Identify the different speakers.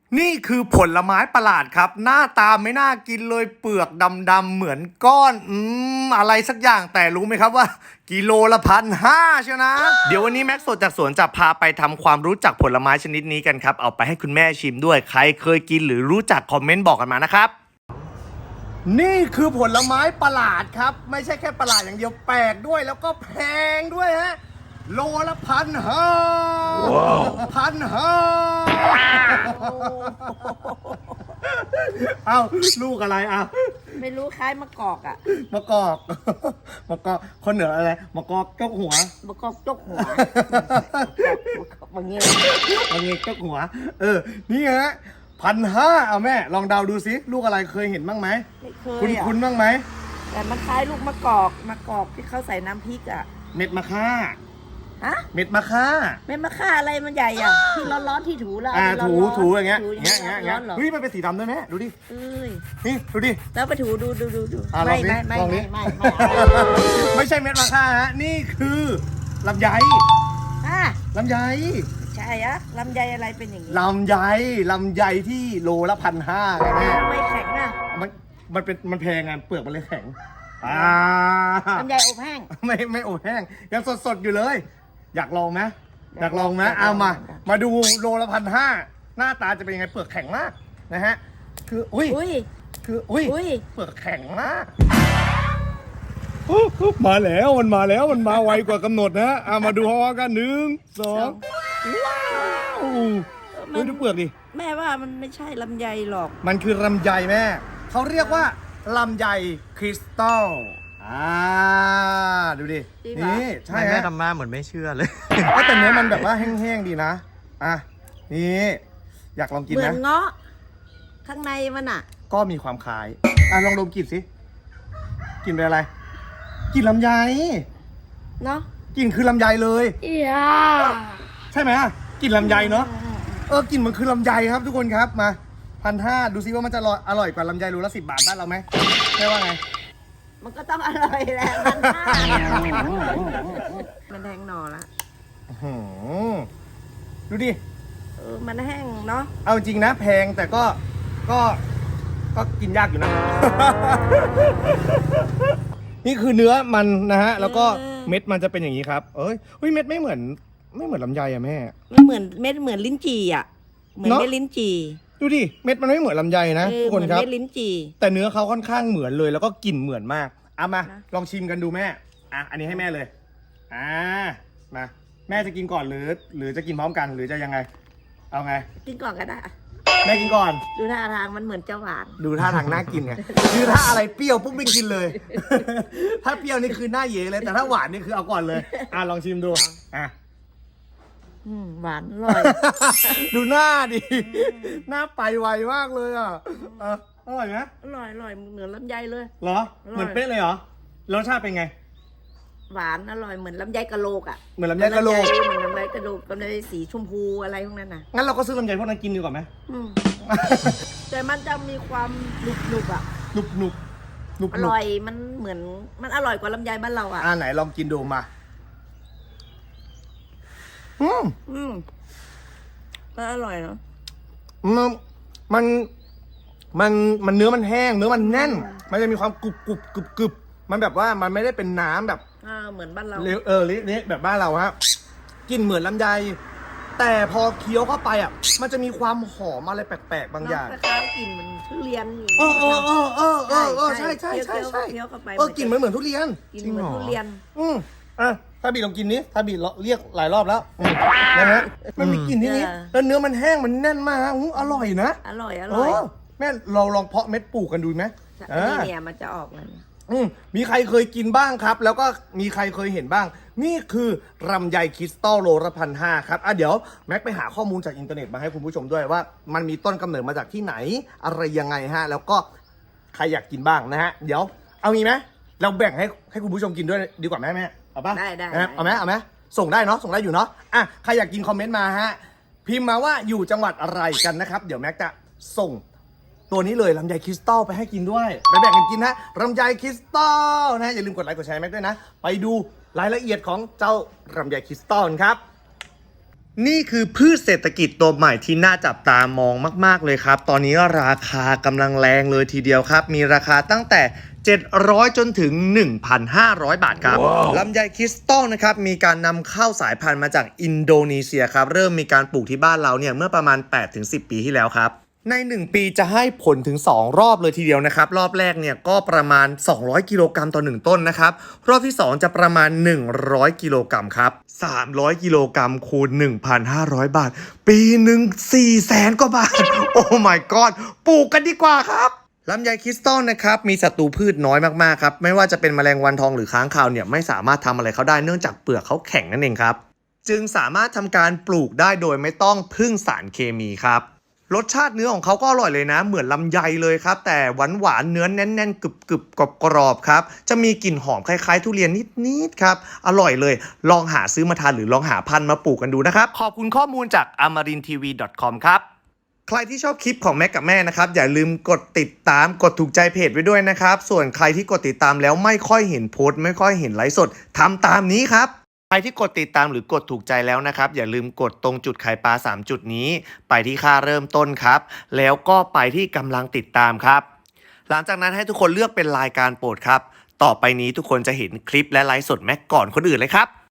Speaker 1: นี่คือผลไม้ประหลาดครับ หน้าตาไม่น่ากินเลยเปลือกดำๆเหมือนก้อนอะไรสักอย่างแต่รู้ไหมครับว่ากิโลละ1,500เชียวนะ เดี๋ยววันนี้แม็กซ์สดจากสวนจะพาไปทำความรู้จักผลไม้ชนิดนี้กันครับเอาไปให้คุณแม่ชิมด้วยใครเคยกินหรือรู้จักคอมเมนต์บอกกันมานะครับนี่คือผลไม้ประหลาดครับไม่ใช่แค่ประหลาดอย่างเดียวแปลกด้วยแล้วก็แพงด้วยฮะโลละ1,500 1,500เอ้าลูกอะไรอ่ะ
Speaker 2: ไม่รู้คล้ายมะกอกอ่ะ
Speaker 1: มะกอกคนเหนืออะไรมะกอกจกหัว
Speaker 2: มะกอกจกหัวบางเงี้ย
Speaker 1: จกหัวนี่ฮะ1,500เอาแม่ลองเดาดูสิลูกอะไรเคยเห็นบ้างไหม
Speaker 2: ไม่เคย
Speaker 1: คุ้นบ้างไหม
Speaker 2: แต่มันคล้ายลูกมะกอกที่เขาใส่น้ำพริกอ่ะ
Speaker 1: เม็ดมะค่า
Speaker 2: ฮะ
Speaker 1: เม็ดมะค่า
Speaker 2: อะไรมันใหญ่อ่ะที่ร้อนๆที่ถูแล้ว
Speaker 1: ถูอย่างเงี้ยเฮ้ยมันเป็นสีดำด้วยไหมดูดินี่ดูดิ
Speaker 2: แล้วไปถูดู
Speaker 1: ไม่ใช่เม็ดมะค่าฮะนี่คือลำไยลำไย
Speaker 2: ใช่อะลำไยอะไรเป็นอย่างนี้
Speaker 1: ลำไยที่โลละ1,500ไงแม่
Speaker 2: ไม่แข็งนะ
Speaker 1: มันแพงไงเปลือกมันเลยแข็ง
Speaker 2: ลำไยอบแห้ง
Speaker 1: ไม่อบแห้งยังสดอยู่เลยอยากลองไหมเอามาดูโลละ1,500หน้าตาจะเป็นยังไงเปลือกแข็งมากนะฮะคือเปลือกแข็งมากมาแล้วมันมาไวกว่ากำหนดนะมาดูพร้อมกัน1 2ว้าวดูเปลือกดิ
Speaker 2: แม่ว่ามันไม่ใช่ลำไยหรอก
Speaker 1: มันคือลำไยแม่เขาเรียกว่าลำไยคริสตัลดูดินี่ใช่
Speaker 3: แม่ทำมาเหมือนไม่เชื่อเลย
Speaker 1: แต่เนื้อมันแบบว่าแห้งๆดีนะนี่อยากลองกินนะ
Speaker 2: เหมือนเงาะข้างในมัน
Speaker 1: ก็มีความคล้ายลองดมกลิ่นสิกลิ่นเป็นอะไรกลิ่นลำไย
Speaker 2: เนาะ
Speaker 1: กลิ่นคือลำไยเลยใช่ไหมกลิ่นลำไยเนาะกลิ่นมันคือลำไยครับทุกคนครับมา1,500ดูซิว่ามันจะอร่อยกว่าลำไยโลละ10 บาทบ้านเราไหมใช่ว่าไง
Speaker 2: มันก็ต้องอร่อยแหละมันแห้งหน่อละ
Speaker 1: ดูดิ
Speaker 2: มันแห้งเนาะ
Speaker 1: เอาจริงนะแพงแต่ก็กินยากอยู่นะ นี่คือเนื้อมันนะฮะแล้วก็เม็ดมันจะเป็นอย่างนี้ครับเม็ดไม่เหมือนลำไยอะแม่
Speaker 2: มันเหมือนเม็ดเหมือนลิ้นจี่อะเหมือนเม็ดลิ้นจี่
Speaker 1: ดูดิเม็ดมันไม่เหมือนลำไยนะทุกคนครับ
Speaker 2: เม็ดลิ้นจี่
Speaker 1: แต่เนื้อเขาค่อนข้างเหมือนเลยแล้วก็กลิ่นเหมือนมากมาลองชิมกันดูแม่อันนี้ให้แม่เลยมาแม่จะกินก่อนหรือจะกินพร้อมกันหรือจะยังไงเอาไง
Speaker 2: กินก่อนก็ได้
Speaker 1: แม่กินก่อน
Speaker 2: ดูท่าทางมันเหมือนจะหวาน
Speaker 1: ดูท่าทางน่ากินไงคือถ้าอะไรเปรี้ยวปุ๊บไม่กินเลยถ้าเปรี้ยวนี่คือหน้าเย่เลยแต่ถ้าหวานนี่คือเอาก่อนเลยลองชิมดู
Speaker 2: หวานอร่อย
Speaker 1: ดูหน้าดิหน้าไปไวมากเลยอร่อยไหม
Speaker 2: อร่อยเหมือนลำไยเลย
Speaker 1: เหรอเหมือนเป๊ะเลยเหรอรสชาติเป็นไง
Speaker 2: หวานอร่อยเหมือนลำไยกะโหลก
Speaker 1: เหมือนลำไยกะโหลก
Speaker 2: เหมือนลำไยกะโหลกลำไยสีชมพูอะไรพวกนั้น
Speaker 1: งั้นเราก็ซื้อลำไยพวกนั้นกินดีกว่าไหม
Speaker 2: แต่มันจะมีความหนุบอร่อยมันเหมือนมันอร่อยกว่าลำไยบ้านเรา
Speaker 1: ไหนลองกินดูมา
Speaker 2: ก็อร่อยเนาะ
Speaker 1: มันเนื้อมันแห้งเนื้อมันแน่นมันจะมีความกรุบมันแบบว่ามันไม่ได้เป็นน้ำแบบ
Speaker 2: เหมือนบ้านเรา
Speaker 1: เละแบบบ้านเราฮะกลิ่นเหมือนลำไยแต่พอเคี้ยวเข้าไปมันจะมีความหอมอะไรแปลกๆบางอย่าง
Speaker 2: คล้ายๆกลิ่นมันทุเรียน
Speaker 1: ใช่
Speaker 2: เคี้ยวเข้าไป
Speaker 1: กลิ่นเหมือนทุเรียน
Speaker 2: กลิ่นเหมือนทุเรียน
Speaker 1: ถ้าบีลองกินนี้ถ้าบีเรียกหลายรอบแล้วนะฮะมันมีกลิ่นนี้แล้วเนื้อมันแห้งมันแน่นมากอร่อยนะ
Speaker 2: อร่อย
Speaker 1: แม่เราลองเพาะเม็ดปลูกกันดูไหม
Speaker 2: เนี่ยมันจะออกเลย
Speaker 1: มีใครเคยกินบ้างครับแล้วก็มีใครเคยเห็นบ้างนี่คือลำไยคริสตัลโลละ1,500ครับเดี๋ยวแม็กไปหาข้อมูลจากอินเทอร์เน็ตมาให้คุณผู้ชมด้วยว่ามันมีต้นกำเนิดมาจากที่ไหนอะไรยังไงฮะแล้วก็ใครอยากกินบ้างนะฮะเดี๋ยวเอามีไหมเราแบ่งให้คุณผู้ชมกินด้วยดีกว่าแม่เอาป่ะ
Speaker 2: ได้
Speaker 1: เอาไหมส่งได้เนาะส่งได้อยู่เนาะใครอยากกินคอมเมนต์มาฮะพิมพ์มาว่าอยู่จังหวัดอะไรกันนะครับเดี๋ยวแม็กจะส่งตัวนี้เลยลำไยคริสตัลไปให้กินด้วยไปแบ่งกันกินนะลำไยคริสตัลนะอย่าลืมกดไลค์กดแชร์แม็กด้วยนะไปดูรายละเอียดของเจ้าลำไยคริสตัลครับนี่คือพืชเศรษฐกิจตัวใหม่ที่น่าจับตามองมากๆเลยครับตอนนี้ราคากำลังแรงเลยทีเดียวครับมีราคาตั้งแต่700จนถึง 1,500 บาทครับ ลำไยคริสตัลนะครับมีการนำเข้าสายพันธุ์มาจากอินโดนีเซียครับเริ่มมีการปลูกที่บ้านเราเนี่ยเมื่อประมาณ 8-10 ปีที่แล้วครับใน1ปีจะให้ผลถึง2รอบเลยทีเดียวนะครับรอบแรกเนี่ยก็ประมาณ200กิโลกรัมต่อ1ต้นนะครับรอบที่2จะประมาณ100กิโลกรัมครับ300กิโลกรัมคูณ 1,500 บาทปีหนึ่ง400,000 กว่าบาทโอ้ my god ปลูกกันดีกว่าครับลำไยคริสตัลนะครับมีศัตรูพืชน้อยมากๆครับไม่ว่าจะเป็นแมลงวันทองหรือค้างคาวเนี่ยไม่สามารถทำอะไรเขาได้เนื่องจากเปลือกเขาแข็งนั่นเองครับจึงสามารถทำการปลูกได้โดยไม่ต้องพึ่งสารเคมีครับรสชาติเนื้อของเขาก็อร่อยเลยนะเหมือนลำไยเลยครับแต่หวานเนื้อแน่นๆกรึบกรอบครับจะมีกลิ่นหอมคล้ายๆทุเรียนนิดๆครับอร่อยเลยลองหาซื้อมาทานหรือลองหาพันธุ์มาปลูกกันดูนะครับขอบคุณข้อมูลจาก amarintv.com ครับใครที่ชอบคลิปของแม่กับแม่นะครับอย่าลืมกดติดตามกดถูกใจเพจไว้ด้วยนะครับส่วนใครที่กดติดตามแล้วไม่ค่อยเห็นโพสต์ไม่ค่อยเห็นไลฟ์สดทำตามนี้ครับใครที่กดติดตามหรือกดถูกใจแล้วนะครับอย่าลืมกดตรงจุดไข่ปลา3จุดนี้ไปที่ค่าเริ่มต้นครับแล้วก็ไปที่กำลังติดตามครับหลังจากนั้นให้ทุกคนเลือกเป็นรายการโปรดครับต่อไปนี้ทุกคนจะเห็นคลิปและไลฟ์สดแม็กก่อนคนอื่นเลยครับ